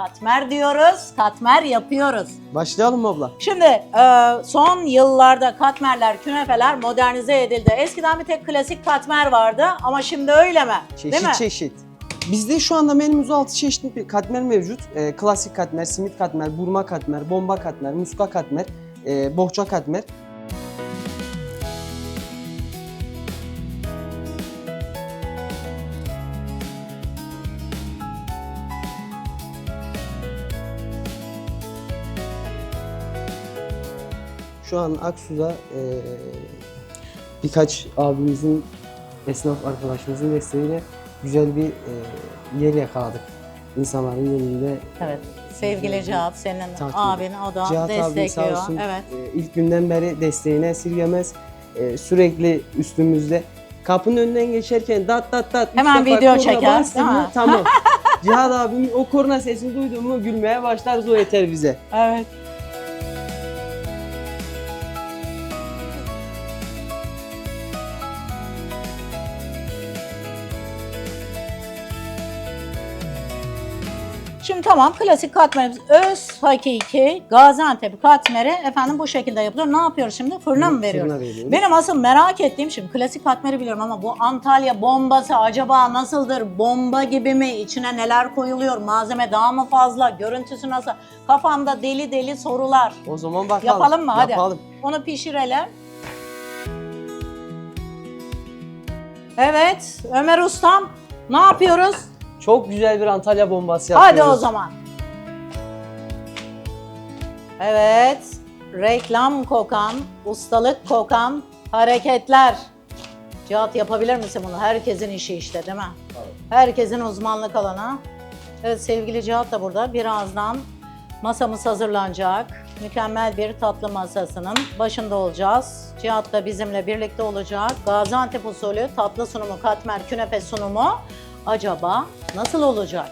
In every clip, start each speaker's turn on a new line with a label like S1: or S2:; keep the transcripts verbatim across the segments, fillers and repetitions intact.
S1: katmer diyoruz, katmer yapıyoruz.
S2: Başlayalım mı abla?
S1: Şimdi e, son yıllarda katmerler, künefeler modernize edildi. Eskiden bir tek klasik katmer vardı ama şimdi öyle mi?
S2: Çeşit
S1: Değil mi?
S2: çeşit. Bizde şu anda menümüzde altı çeşitli bir katmer mevcut. Ee, klasik katmer, simit katmer, burma katmer, bomba katmer, muska katmer, e, bohça katmer. Şu an Aksu'da e, birkaç abimizin, esnaf arkadaşımızın desteğiyle güzel bir e, yer yakaladık. İnsanların önünde.
S1: Evet. Sevgili Cihat, senin
S2: Takip.
S1: abin, o da
S2: Cihat abi
S1: destekliyor.
S2: sağ olsun,
S1: Evet.
S2: e, ilk günden beri desteğini esirgemez. E, sürekli üstümüzde. Kapının önünden geçerken dat dat dat. üç
S1: Hemen
S2: defa
S1: video
S2: korna
S1: çeker,
S2: bastı
S1: değil
S2: mı?
S1: mi?
S2: Tamam. Cihat abimin o korna sesini duyduğum mu gülmeye başlarız, o yeter bize.
S1: Evet. Şimdi tamam, klasik katmerimiz öz hakiki Gaziantep katmeri efendim bu şekilde yapılıyor. Ne yapıyoruz şimdi? Fırına mı veriyoruz?
S2: Fırına veriyoruz.
S1: Benim asıl merak ettiğim, şimdi klasik katmeri biliyorum ama bu Antalya bombası acaba nasıldır? Bomba gibi mi? İçine neler koyuluyor? Malzeme daha mı fazla? Görüntüsü nasıl? Kafamda deli deli sorular.
S2: O zaman bakalım.
S1: Yapalım mı? Hadi.
S2: Yapalım.
S1: Onu pişirelim. Evet, Ömer Ustam, ne yapıyoruz?
S2: Çok güzel bir Antalya bombası
S1: Hadi
S2: yapıyoruz.
S1: o zaman. Evet, reklam kokan, ustalık kokan hareketler. Cihat, yapabilir misin bunu? Herkesin işi işte, değil mi?
S2: Evet.
S1: Herkesin uzmanlık alanı. Evet, sevgili Cihat da burada. Birazdan masamız hazırlanacak. Mükemmel bir tatlı masasının başında olacağız. Cihat da bizimle birlikte olacak. Gaziantep usulü tatlı sunumu, katmer, künefe sunumu acaba nasıl olacak?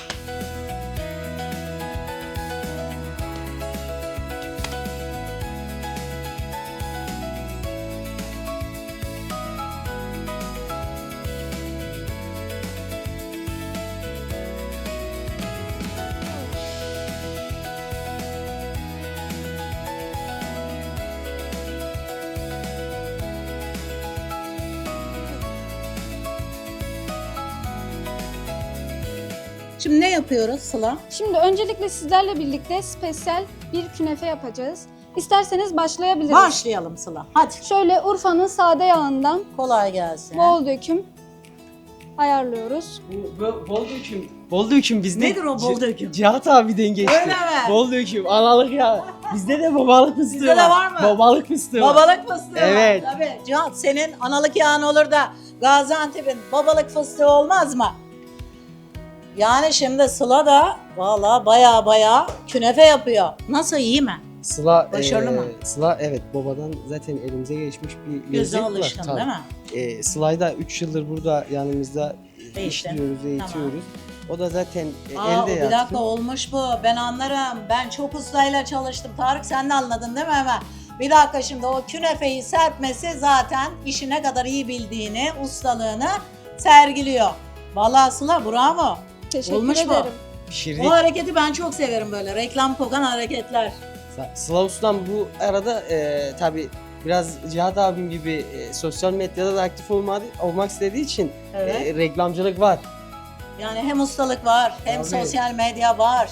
S1: Şimdi ne yapıyoruz Sıla?
S3: Şimdi öncelikle sizlerle birlikte spesiyel bir künefe yapacağız. İsterseniz başlayabiliriz.
S1: Başlayalım Sıla. Hadi.
S3: Şöyle Urfa'nın sade yağından
S1: Kolay gelsin.
S3: bol döküm ayarlıyoruz.
S2: Bu, bu, bol döküm. Bol döküm bizde.
S1: Nedir o bol döküm?
S2: Cihat abiden geçti.
S1: Öyle mi?
S2: Bol döküm, analık ya. Bizde de babalık fıstığı
S1: Bizde de var mı?
S2: Babalık fıstığı var.
S1: Babalık fıstığı
S2: Evet.
S1: var. Tabii. Cihat, senin analık yağın olur da Gaziantep'in babalık fıstığı olmaz mı? Yani şimdi Sıla da valla baya baya künefe yapıyor. Nasıl, iyi mi?
S2: Sıla,
S1: Başarılı
S2: e,
S1: mı?
S2: Sıla evet babadan zaten elimize geçmiş bir
S1: Göze
S2: lezzet var.
S1: alıştın
S2: Tabii.
S1: değil mi?
S2: E, Sıla'yı da üç yıldır burada yanımızda
S1: Eğitim.
S2: işliyoruz, eğitiyoruz. O da zaten e,
S1: Aa,
S2: elde
S1: bir
S2: yatkın.
S1: dakika, olmuş bu. Ben anlarım. Ben çok ustayla çalıştım. Tarık, sen de anladın değil mi hemen? Bir dakika, şimdi o künefeyi serpmesi zaten işi ne kadar iyi bildiğini, ustalığını sergiliyor. Vallahi Sıla, bravo.
S3: Teşekkür
S1: Olmuş mu?
S3: ederim.
S2: Pişirdik.
S1: O hareketi ben çok severim, böyle reklam kokan hareketler.
S2: Sıla Ustam bu arada e, tabii biraz Cihat abim gibi e, sosyal medyada da aktif olmadı, olmak istediği için
S1: Evet.
S2: e, reklamcılık var.
S1: Yani hem ustalık var, hem
S2: Tabii.
S1: sosyal medya var.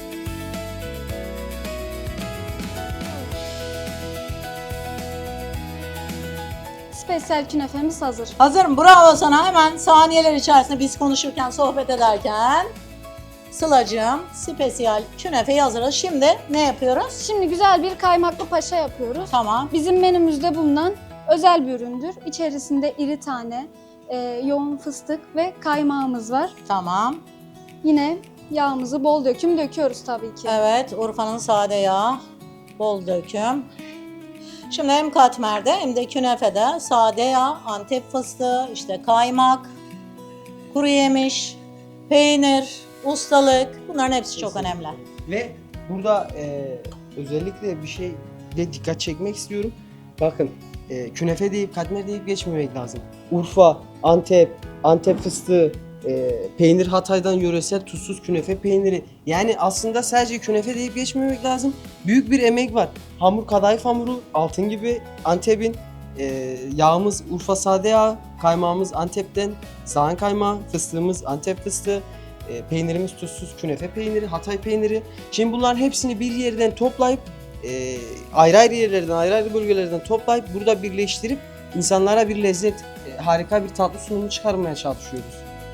S3: Spesiyel künefemiz hazır.
S1: Hazırım, bravo sana. Hemen saniyeler içerisinde biz konuşurken, sohbet ederken Sıla'cığım spesiyel künefeyi hazırladı. Şimdi ne yapıyoruz?
S3: Şimdi güzel bir kaymaklı paşa yapıyoruz.
S1: Tamam.
S3: Bizim menümüzde bulunan özel bir üründür. İçerisinde iri tane, e, yoğun fıstık ve kaymağımız var.
S1: Tamam.
S3: Yine yağımızı bol döküm döküyoruz tabii ki.
S1: Evet, Urfa'nın sade yağı, bol döküm. Şimdi hem katmerde hem de künefede sade yağ, Antep fıstığı, işte kaymak, kuru yemiş, peynir, ustalık, bunların hepsi çok
S2: Kesinlikle.
S1: önemli.
S2: Ve burada e, özellikle bir şey de dikkat çekmek istiyorum. Bakın e, künefe deyip katmer deyip geçmemek lazım. Urfa, Antep, Antep fıstığı, e, peynir Hatay'dan yöresel tuzsuz künefe peyniri. Yani aslında sadece künefe deyip geçmemek lazım. Büyük bir emek var. Hamur kadayıf hamuru, altın gibi Antep'in. E, yağımız Urfa sade yağı, kaymağımız Antep'ten, sağan kaymağı, fıstığımız Antep fıstığı, e, peynirimiz tuzsuz künefe peyniri, Hatay peyniri. Şimdi bunların hepsini bir yerden toplayıp e, ayrı ayrı yerlerden, ayrı ayrı bölgelerden toplayıp burada birleştirip insanlara bir lezzet, e, harika bir tatlı sunumu çıkarmaya çalışıyoruz.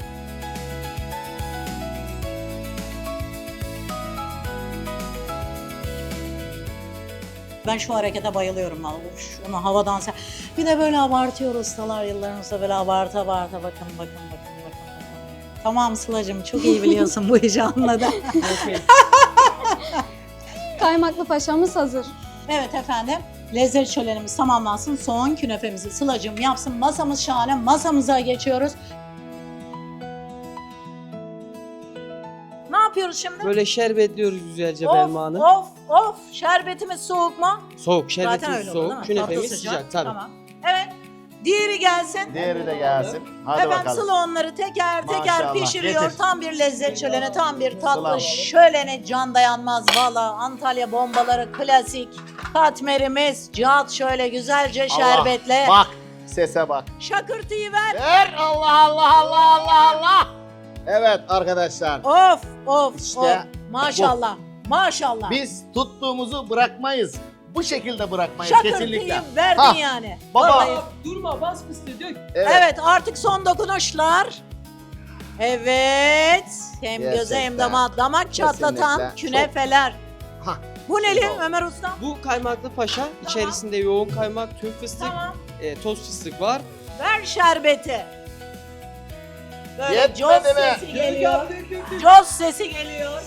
S1: Ben şu harekete bayılıyorum vallahi. Şunu havadan sen. Bir de böyle abartıyor ustalar yıllarımızda böyle abartı abartı bakın bakın bakın bakın bakın. Tamam Sıla'cığım çok iyi biliyorsun bu işi anladım.
S3: Kaymaklı paşamız hazır.
S1: Evet efendim. Lezzet şölenimiz tamamlansın. Son künefemizi Sıla'cığım yapsın. Masamız şahane. Masamıza geçiyoruz. Ne yapıyoruz şimdi?
S2: Böyle şerbetliyoruz güzelce
S1: of,
S2: Belma Hanım.
S1: of of şerbetimiz soğuk mu?
S2: Soğuk,
S1: Zaten
S2: şerbetimiz
S1: öyle olur değil mi?
S2: soğuk, künefemiz
S1: Tatlı
S2: sıcak tabii.
S1: Tamam. Evet. Diğeri gelsin.
S4: Diğeri de gelsin. Hadi
S1: Efendim
S4: bakalım.
S1: Sıla onları teker teker
S4: Maşallah,
S1: pişiriyor.
S4: getir.
S1: Tam bir lezzet şöleni, tam bir tatlı
S4: Sıla.
S1: şöleni. Can dayanmaz valla. Antalya bombaları klasik. Katmerimiz. Cihat şöyle güzelce
S4: Allah,
S1: şerbetle.
S4: Bak sese bak.
S1: Şakırtıyı ver.
S4: Ver Allah Allah Allah Allah Allah. Evet arkadaşlar.
S1: Of of
S4: İşte
S1: of. Maşallah. Maşallah.
S4: Biz tuttuğumuzu bırakmayız. Bu şekilde bırakmayız
S1: Şakırtıyı
S4: kesinlikle.
S1: verdin
S4: Ha,
S1: yani.
S4: baba.
S1: Vallahi.
S2: Durma, bas fıstığı dök.
S4: Evet.
S1: Evet artık son dokunuşlar. Evet. Hem göze hem
S4: Gerçekten.
S1: damak, damak çatlatan
S4: Kesinlikle.
S1: künefeler.
S4: Hah.
S1: Bu neli
S4: Bravo.
S1: Ömer Usta?
S2: Bu kaymaklı paşa, içerisinde yoğun kaymak, tüm fıstık,
S1: Tamam.
S2: e, toz fıstık var.
S1: Ver şerbeti. Böyle
S4: Yetmedi
S1: coz
S4: mi?
S1: sesi geliyor. Coz sesi geliyor.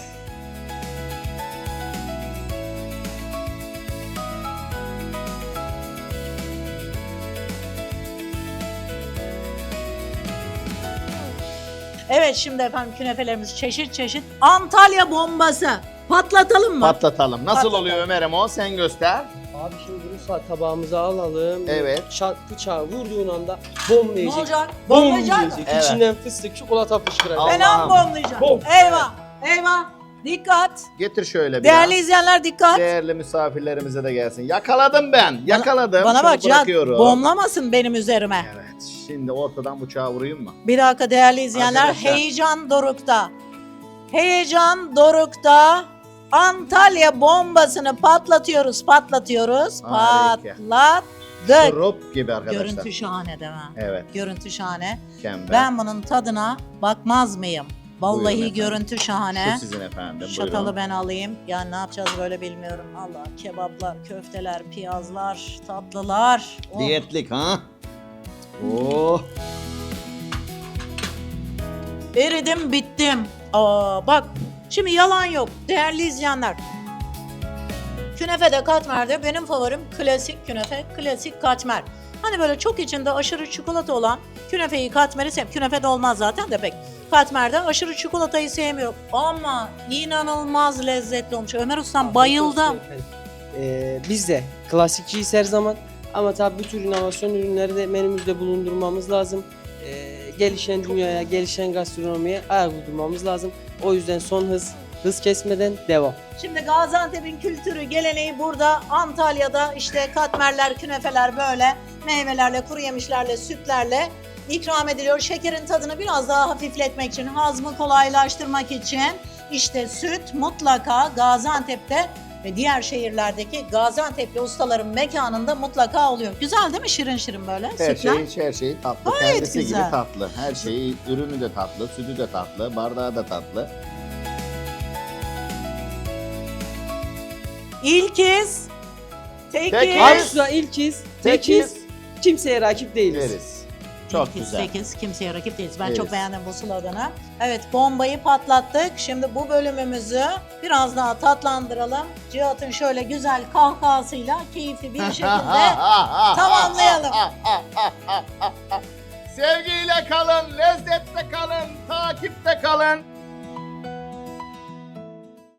S1: Evet şimdi efendim künefelerimiz çeşit çeşit. Antalya bombası. Patlatalım mı?
S4: Patlatalım. Nasıl
S1: Patlatalım.
S4: oluyor Ömer'im o? Sen göster.
S2: Abi şimdi bunu sağ tabağımıza alalım.
S4: Evet.
S2: Şak bıçağı vurduğun anda bom
S1: Ne
S2: diyecek.
S1: olacak?
S2: Bom
S1: Bombayacak mı?
S2: diyecek.
S4: Evet.
S2: İçinden fıstık, çikolata fışkıracak.
S4: Allah.
S1: Fena
S4: Allah'ım.
S1: bombayacak.
S2: Bom.
S1: Eyvah. Eyvah. Dikkat.
S4: Getir şöyle biraz.
S1: Değerli izleyenler dikkat.
S4: Değerli misafirlerimize de gelsin. Yakaladım ben. Yakaladım.
S1: Bana
S4: Şunu
S1: bak Cihat
S4: bırakıyorum.
S1: bomlamasın benim üzerime.
S4: Evet. Şimdi ortadan bıçağı vurayım mı?
S1: Bir dakika değerli izleyenler
S4: Arkadaşlar.
S1: heyecan dorukta. Heyecan dorukta. Antalya bombasını patlatıyoruz, patlatıyoruz.
S4: Harika.
S1: Patlattık.
S4: Şurup gibi arkadaşlar.
S1: Görüntü şahane değil mi?
S4: Evet.
S1: Görüntü şahane.
S4: Mükemmel.
S1: Ben bunun tadına bakmaz mıyım?
S4: Buyurun
S1: Vallahi
S4: efendim.
S1: görüntü şahane.
S4: Şu sizin efendim.
S1: Şatalı
S4: Buyurun.
S1: ben alayım. Yani ne yapacağız böyle bilmiyorum. Allah kebaplar, köfteler, piyazlar, tatlılar. Oh.
S4: Diyetlik ha? Oh.
S1: Eridim bittim. Aa bak şimdi yalan yok değerli izleyenler. Künefe de katmer benim favorim klasik künefe, klasik katmer. Hani böyle çok içinde aşırı çikolata olan künefeyi katmeri sev. Künefe de olmaz zaten de pek. Katmerde aşırı çikolatayı sevmiyorum. Ama inanılmaz lezzetli olmuş. Ömer Ustam bayıldım.
S2: Ee, biz de klasikçiyiz her zaman. Ama tabii bu tür inovasyon ürünleri de menümüzde bulundurmamız lazım. Ee, gelişen dünyaya, gelişen gastronomiye ayak uydurmamız lazım. O yüzden son hız, hız kesmeden devam.
S1: Şimdi Gaziantep'in kültürü, geleneği burada. Antalya'da işte katmerler, künefeler böyle meyvelerle, kuru yemişlerle, sütlerle ikram ediliyor. Şekerin tadını biraz daha hafifletmek için, hazmı kolaylaştırmak için işte süt mutlaka Gaziantep'te ve diğer şehirlerdeki Gaziantep'li ustaların mekanında mutlaka oluyor. Güzel değil mi? Şirin şirin böyle
S4: Her
S1: sütler.
S4: şey, her şey tatlı.
S1: Gayet
S4: Kendisi
S1: güzel.
S4: gibi tatlı. Her şeyi, ürünü de tatlı, sütü de tatlı, bardağı da tatlı.
S1: İlkiz, tekiz,
S4: Tekiz.
S2: Arzu'da ilkiz, tekiz,
S4: Tekiz.
S2: kimseye rakip değiliz.
S4: Deriz. Çok
S1: İlkiz,
S4: güzel.
S1: sekiz, kimseye rakip değiliz. Ben
S4: Evet.
S1: çok beğendim bu sloganı. Evet bombayı patlattık. Şimdi bu bölümümüzü biraz daha tatlandıralım. Cihat'ın şöyle güzel kahkahasıyla keyifli bir şekilde tamamlayalım.
S4: Sevgiyle kalın, lezzette kalın, takipte kalın.